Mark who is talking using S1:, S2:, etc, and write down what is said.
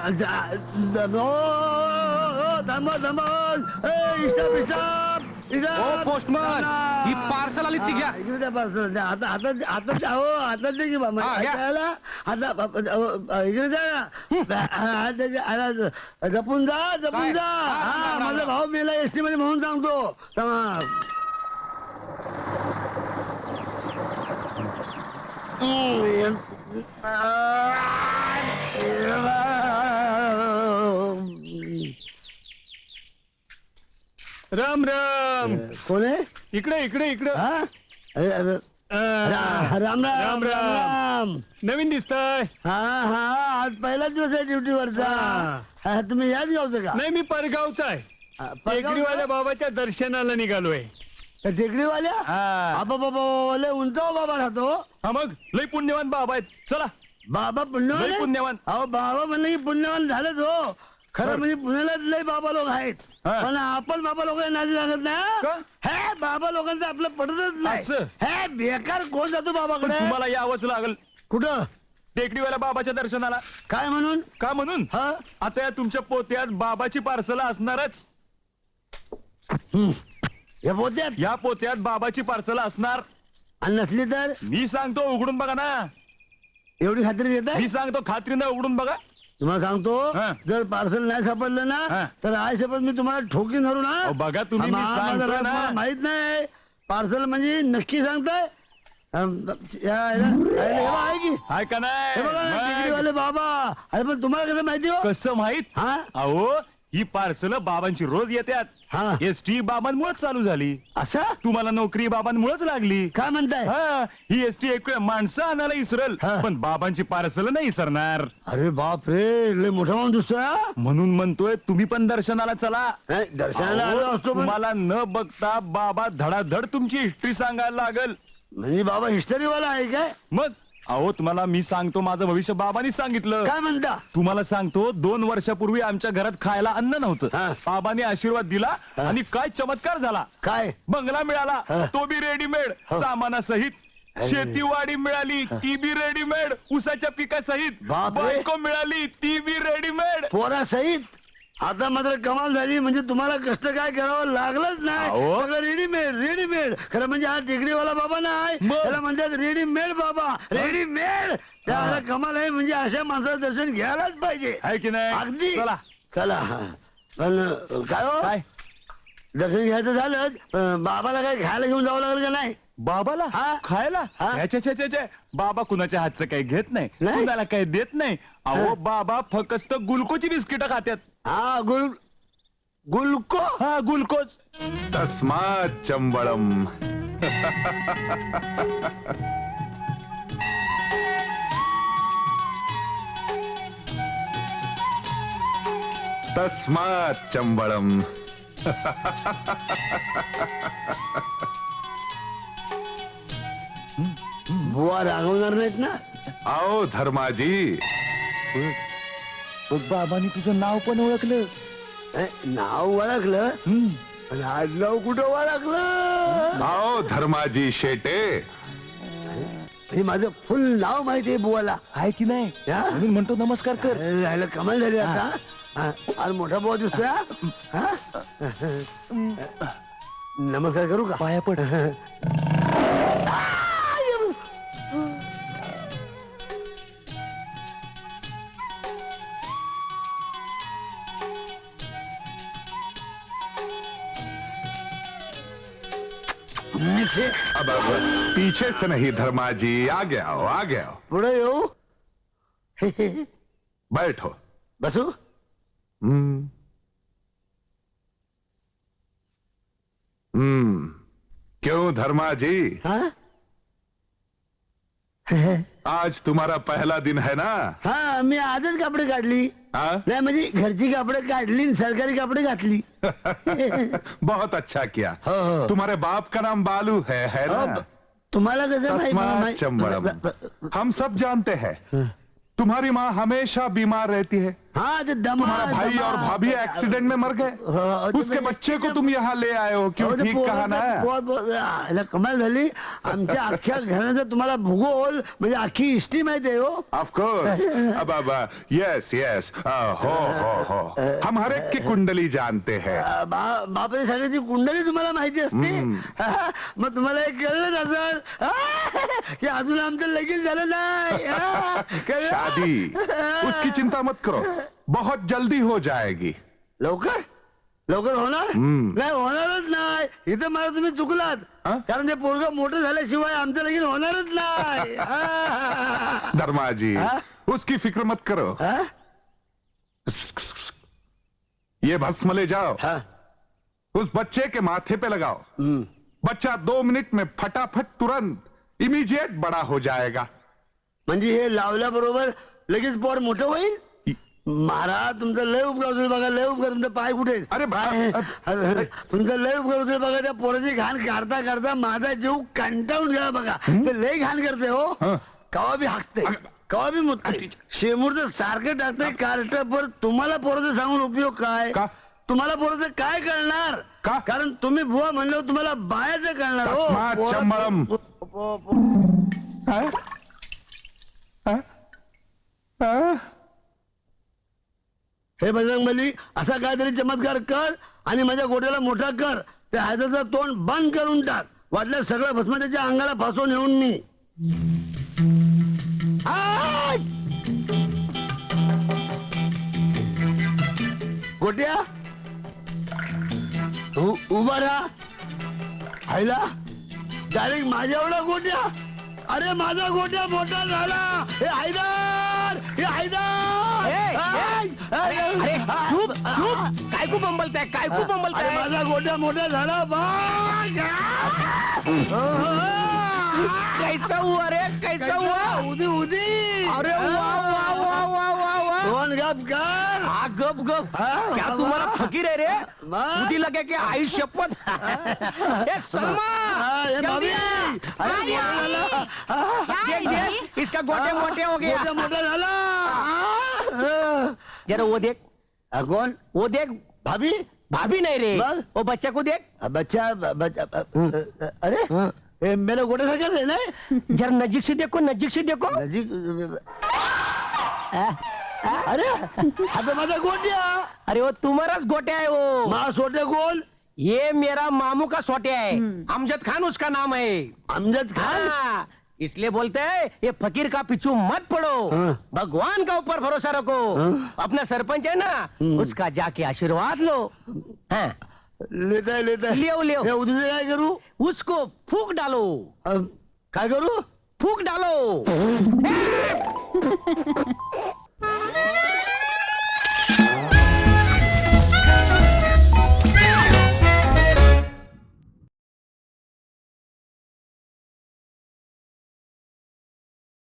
S1: Postman ही parcel आली ती घ्या.
S2: पार्सल आता आता आता हो आता दे की बाबा
S1: हा, घ्या.
S2: आता इकडे जा जपून जा जपून जा. हा माझा भाऊ मेला एसटी मध्ये म्हणून सांगतो.
S3: राम राम.
S2: कोण आहे?
S3: इकडे इकडे इकडे.
S2: हा? राम राम राम राम.
S3: नवीन दिसताय.
S2: हा हा आज पहिलाच दिवस आहे ड्युटीवरचा. हा, तुम्ही याच गावचं का?
S3: नाही मी परगावचा आहे. टेकडीवाल्या बाबाच्या दर्शनाला निघालोय.
S2: टेकडीवाल्या
S3: हा.
S2: बाबा बाबा लय उंच बाबा राहतो.
S3: हा मग लय पुण्यवान बाबा आहेत. चला.
S2: बाबा पुण्यवान
S3: लय
S2: आहे?
S3: पुण्यवान.
S2: अहो बाबा म्हणलं की पुण्यवान झालंच हो. खरं म्हणजे पुण्याला लय बाबा लोक आहेत.
S3: हा.
S2: पण आपण बाबा लोकांना नादी लागत
S3: का?
S2: नाही. हे बाबा लोकांचं आपलं पटतच नाही.
S3: असं?
S2: हे बेकार कोण जातो
S3: पण
S2: बाबाकडे?
S3: तुम्हाला यावंच लागल
S2: कुठं?
S3: टेकडीवाल्या बाबाच्या दर्शनाला.
S2: काय म्हणून?
S3: का म्हणून?
S2: हा
S3: आता या तुमच्या पोत्यात बाबाची पार्सल असणारच.
S2: हे पोत्यात
S3: या पोत्यात बाबाची पार्सल असणार.
S2: आणि नसली तर
S3: मी सांगतो उघडून बघा ना.
S2: एवढी खात्री देत
S3: मी सांगतो खात्रीनं उघडून बघा.
S2: तुम्हाला सांगतो
S3: हा.
S2: जर पार्सल नाही सापडलं
S3: हा.
S2: ना तर आय शपथ मी तुम्हाला ठोकीन धरू ना.
S3: अहो, बघा तुम्ही, मी
S2: माझा
S3: सांगतोय
S2: राज
S3: ना.
S2: मला माहित नाही. पार्सल म्हणजे नक्की सांगताय. आहे की
S3: हाय का
S2: हे बघा ना,
S3: नाही?
S2: डिग्रीवाले बाबा. अरे पण तुम्हाला कसं माहिती हो?
S3: कसं माहित?
S2: हा?
S3: अहो ही पार्सल बाबांची रोज येतात.
S2: हा.
S3: एसटी बाबांमुळेच चालू झाली.
S2: असं
S3: तुम्हाला नोकरी बाबांमुळेच लागली.
S2: काय म्हणताय?
S3: हा ही एसटी एक वेळ माणसं आणायला इसरल
S2: हा.
S3: पण बाबांची पार्सल नाही इसरणार.
S2: अरे बाप रे लय मोठा माणूस दिसतोय हा.
S3: म्हणून म्हणतोय तुम्ही पण दर्शनाला चला.
S2: नाही, दर्शनाला आलो
S3: अहो,
S2: असतो पण
S3: तुम्हाला न बघता बाबा धडाधड तुमची हिस्ट्री सांगायला लागल.
S2: म्हणजे बाबा हिस्टरीवाला आहे काय?
S3: मग अहो तुम्हाला मी सांगतो माझं भविष्य बाबांनीच सांगितलं.
S2: काय म्हणता?
S3: तुम्हाला सांगतो 2 वर्षापूर्वी आमच्या घरात खायला अन्न नव्हतं.
S2: हा.
S3: बाबांनी आशीर्वाद दिला आणि काय चमत्कार झाला.
S2: काय?
S3: बंगला मिळाला
S2: हा.
S3: तो बी रेडीमेड सामानासहित. शेतीवाडी मिळाली ती बी रेडीमेड उसाच्या पिकासहित.
S2: बापरे.
S3: बायको मिळाली ती बी रेडीमेड.
S2: पोरा सहित. आता मात्र कमाल झाली. म्हणजे तुम्हाला कष्ट काय करावं लागलंच नाही.
S3: अहो.
S2: सगळं रेडीमेड रेडीमेड. खरं म्हणजे हा टेकडीवाला बाबा नाही
S3: मग?
S2: त्याला म्हणतात रेडीमेड बाबा. रेडीमेड. त्याला कमाल आहे. म्हणजे अशा माणसाचं दर्शन घ्यायलाच पाहिजे.
S3: आहे की नाही?
S2: अगदी.
S3: चला.
S2: चला पण काय हो
S3: काय
S2: दर्शन घ्यायचं झालं बाबाला काय खायला घेऊन जावं लागलं का नाही?
S3: बाबाला
S2: हा.
S3: खायला
S2: हा.
S3: ह्याच्या बाबा कुणाच्या हातचं काही घेत नाही.
S2: नाही?
S3: कुणाला काही देत नाही. अहो बाबा फक्त गुलकोची बिस्किट खात्यात.
S2: हा गुलको.
S3: हा गुलकोच.
S4: तस्मात् चंबळम. तस्मात् चंबळम.
S2: बुवा रागवणार नाहीत ना?
S4: आओ धर्माजी.
S3: बघ बाबांनी तुझं नाव पण ओळखलं.
S2: नाव ओळखलं पण आडनाव कुठं ओळखलं?
S4: आओ धर्माजी शेटे.
S2: हे माझं फुल नाव माहिती आहे बुवाला.
S3: आहे की नाही
S2: हा?
S3: म्हणून म्हणतो नमस्कार कर.
S2: राहिलं कमाल झाली आता. आज मोठा बुवा दिसतोय हा? नमस्कार करू का?
S3: पाया पड.
S4: अब पीछे से नहीं धर्माजी आगे आओ आगे आओ.
S2: पुढे येऊ.
S4: बैठो.
S2: बसू.
S4: हम्म. क्यों धर्माजी
S2: हा
S4: आज तुम्हारा पहला दिन है ना?
S2: हा मी आजच कपडे काढली.
S4: हाँ?
S2: नाही म्हणजे घरची कपडे काढली आणि सरकारी कपडे घातली.
S4: बहुत अच्छा किया.
S2: हो, हो.
S4: तुम्हारे बाप का नाम बालू है ना?
S2: तुम्हाला कसं
S4: तस्मात् चंबळम. हम सब जानते हैं तुम्हारी माँ हमेशा बीमार रहती है.
S2: हाँ तो दमा
S4: तुम्हारा भाई और भाभी एक्सीडेंट में मर गए
S2: हाँ, तो
S4: उसके
S2: मैं-
S4: बच्चे को तुम यहाँ ले आए हो क्यों ठीक कहा ना
S2: याला कमाल झाली आमच्या अख्ख्या घराचा तुम्हाला भूगोल म्हणजे अख्खी हिस्ट्री माहिती आहे हो
S4: ऑफ कोर्स अब यस यस हो हम हर एक की कुंडली जानते हैं
S2: बापरे सगळ्याची कुंडली तुम्हाला माहिती असते मग तुम्हाला हे कळलं नसल की अजून आमचं लगीन झालं नाही कळलं?
S4: शादी उसकी चिंता मत करो बहुत जल्दी हो जाएगी
S2: लवकर लवकर होणार नाही होणारच नाही इथं मला तुम्ही चुकलात
S4: हा?
S2: कारण ते पोरग मोठं झाल्याशिवाय आमचं लगीन होणारच नाही
S4: धर्मा जी
S2: हाँ?
S4: उसकी फिक्र मत करो
S2: हा?
S4: ये भस्म ले जाओ
S2: हा?
S4: उस बच्चे के माथे पे लगाओ बच्चा 2 मिनट में फटाफट तुरंत इमीडिएट बड़ा हो जाएगा
S2: म्हणजे हे लावल्याबरोबर लगेच पोर मोठं होईल महाराज तुमचं लय उपकार होतील बघा लय उपकार तुमचे पाय कुठे आहेत?
S4: अरे
S2: पाय तुमचं लय उपकार होतील बघा त्या पोराची घाण काढता काढता माझा जीव कंटाळून गेला बघा ते लय घाण करते हो
S4: हं.
S2: कवा बी हाकते कवा बी मुतते शेमूरचं सारखं टाकते कार्ट पर तुम्हाला पोराचं सांगून उपयोग काय
S4: का?
S2: तुम्हाला पोराचं काय कळणार
S4: का?
S2: कारण तुम्ही बुवा म्हणलं तुम्हाला बायाचं कळणार हो
S4: तस्मात्
S2: पोरं-
S4: चंबळम. हाँ? हाँ? हाँ?
S2: हे बजरंगबली असा काहीतरी चमत्कार कर आणि माझ्या गोट्याला मोठा कर त्या हाताचं तोंड बंद करून टाक वाटलं सगळं भस्म त्याच्या अंगाला फासून येऊन मी आय! गोट्या उभा राहा आईला डायरेक्ट माझ्या एवढा गोट्या अरे माझा गोट्या मोठा झाला हे हैदर हे हैदर
S1: ए,
S2: आय! आय!
S1: अरे चूप चूप काय खूप बंबलताय काय खूप
S2: अरे
S1: बंबलताय
S2: माझा गोट्या मोठा झाला बघ
S1: कैसा हुआ रे कैसा हुआ
S2: उदी उदी
S1: अरे वाह वाह वाह वाह वाह वाह
S2: दोन गप कर
S1: हाँ गप गप
S2: हाँ,
S1: क्या
S2: हाँ,
S1: तुम्हारा
S2: हाँ।
S1: फकीर है रे
S2: हाँ।
S1: मुझे लगे कि आई शपथ ए सलमा
S2: ये
S1: जल्दी
S2: भाभी
S1: आ।
S2: अरे मोठा झाला
S1: देख देख इसका गोटे मोटे हो गया
S2: गोट्या मोठा झाला
S1: जरा वो देख
S2: कोण
S1: वो देख
S2: भाभी
S1: भाभी नहीं रे
S2: बस।
S1: वो बच्चा को देख
S2: बच्चा बच्चा अरे हे मेरा गोट्या सारखाच आहे ना
S1: जरा नजीक से देखो
S2: नजीक अरे आता माझा गोट्या
S1: अरे वो तुम्हाराच गोट्या है वो
S2: मा सोट्या कोण
S1: ये मेरा मामू का सोट्या है अमजद खान उसका नाम है
S2: अमजद खान
S1: हाँ, इसलिए बोलते हैं ये फकीर का पीछू मत पड़ो
S2: हाँ।
S1: भगवान का ऊपर भरोसा रखो अपना सरपंच है ना उसका जाके आशीर्वाद लो हाँ,
S2: लेता है
S1: लियो
S2: हे उद्या काय करू
S1: उसको फूक डालो
S2: काय करू
S1: फूक डालो